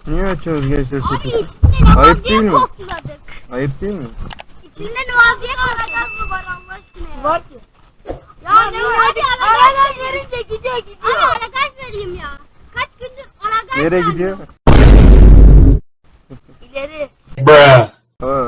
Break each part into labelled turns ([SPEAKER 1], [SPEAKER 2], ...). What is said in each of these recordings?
[SPEAKER 1] Niye açıyoruz gençler
[SPEAKER 2] Abi
[SPEAKER 1] seti?
[SPEAKER 2] içinde ne var
[SPEAKER 1] Ayıp
[SPEAKER 2] diye
[SPEAKER 1] değil mi?
[SPEAKER 2] kokladık.
[SPEAKER 1] Ayıp değil mi?
[SPEAKER 2] İçinde ne var diye kokladık mı var Allah aşkına ya?
[SPEAKER 3] Var ki.
[SPEAKER 2] Ya ne var? Hadi aragaz verince gidiyor. Abi aragaz vereyim ya. Kaç gündür aragaz
[SPEAKER 1] Nereye
[SPEAKER 2] verdim.
[SPEAKER 1] gidiyor?
[SPEAKER 3] İleri.
[SPEAKER 1] Aa.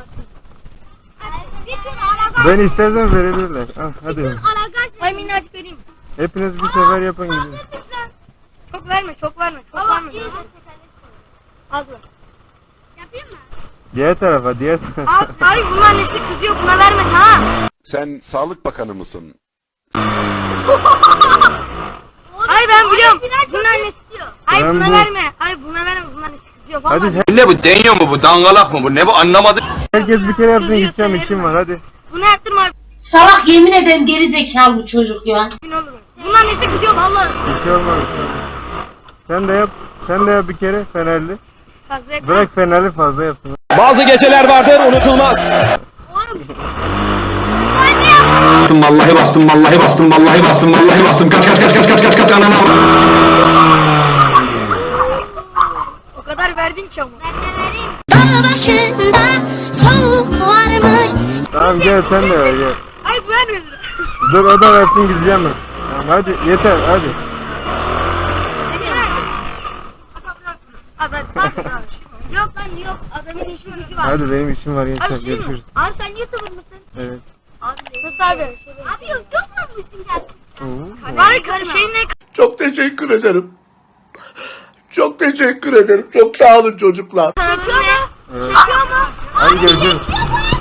[SPEAKER 2] Bir tur aragaz.
[SPEAKER 1] Ben istersen verebilirler. Ah, hadi.
[SPEAKER 2] Aragaz
[SPEAKER 3] Ay minnacık vereyim.
[SPEAKER 1] Hepiniz bir sefer yapın gidin.
[SPEAKER 3] Çok verme, çok verme. Çok
[SPEAKER 2] Baba
[SPEAKER 3] verme.
[SPEAKER 2] iyi de
[SPEAKER 3] Az ver.
[SPEAKER 2] yapayım mı?
[SPEAKER 1] Diğer tarafa, diğer tarafa.
[SPEAKER 3] Abi bunun annesi kızıyor. Buna verme tamam.
[SPEAKER 4] Sen Sağlık Bakanı mısın?
[SPEAKER 3] Ay ben biliyorum. Bunun annesi diyor. Ay
[SPEAKER 1] Ben
[SPEAKER 3] buna
[SPEAKER 1] bu-
[SPEAKER 3] verme. Ay buna verme. Bunun annesi kızıyor. Vallahi.
[SPEAKER 1] Hadi
[SPEAKER 5] Ne bu, deniyor mu bu, dangalak mı bu, ne bu, anlamadım.
[SPEAKER 1] herkes bir kere yapsın,
[SPEAKER 3] Kızıyor,
[SPEAKER 1] gideceğim,
[SPEAKER 3] söylerim
[SPEAKER 1] işim
[SPEAKER 3] ben.
[SPEAKER 1] var, hadi.
[SPEAKER 3] Bunu yaptırma abi.
[SPEAKER 6] Salak yemin ederim geri zekalı bu çocuk ya.
[SPEAKER 3] Gün olur. Bunun annesi kızıyor vallahi.
[SPEAKER 1] Bir şey olmaz. Sen de yap. Sen de yap bir kere Fenerli.
[SPEAKER 3] Fazla yapma.
[SPEAKER 1] Bırak Fenerli fazla yapsın.
[SPEAKER 5] Bazı geceler vardır unutulmaz. Bastım vallahi bastım vallahi bastım vallahi bastım vallahi bastım kaç anana.
[SPEAKER 3] O kadar verdin ki ama.
[SPEAKER 2] Dağ başında soğuk varmış.
[SPEAKER 1] Tamam gel sen de ver gel.
[SPEAKER 3] Ay bu vermiyor.
[SPEAKER 1] Dur o da versin gideceğim ben. Tamam hadi yeter hadi.
[SPEAKER 3] Çekil ver. Abi bas abi. Yok lan yok. Adamın işi gücü var.
[SPEAKER 1] Hadi benim işim var
[SPEAKER 3] Abi
[SPEAKER 1] gençler
[SPEAKER 3] şey mi?
[SPEAKER 1] görüşürüz.
[SPEAKER 2] Abi sen YouTuber mısın?
[SPEAKER 1] Evet.
[SPEAKER 3] Nasıl abi?
[SPEAKER 2] Abi yok çok olmuşsun gerçekten.
[SPEAKER 1] Oo.
[SPEAKER 3] Abi şeyin ne?
[SPEAKER 7] Çok teşekkür ederim. Çok teşekkür ederim. Çok sağ olun çocuklar.
[SPEAKER 3] Çekiyor mu?
[SPEAKER 1] Evet.
[SPEAKER 3] Çekiyor mu?
[SPEAKER 1] Hadi görüşürüz.
[SPEAKER 2] Yapma.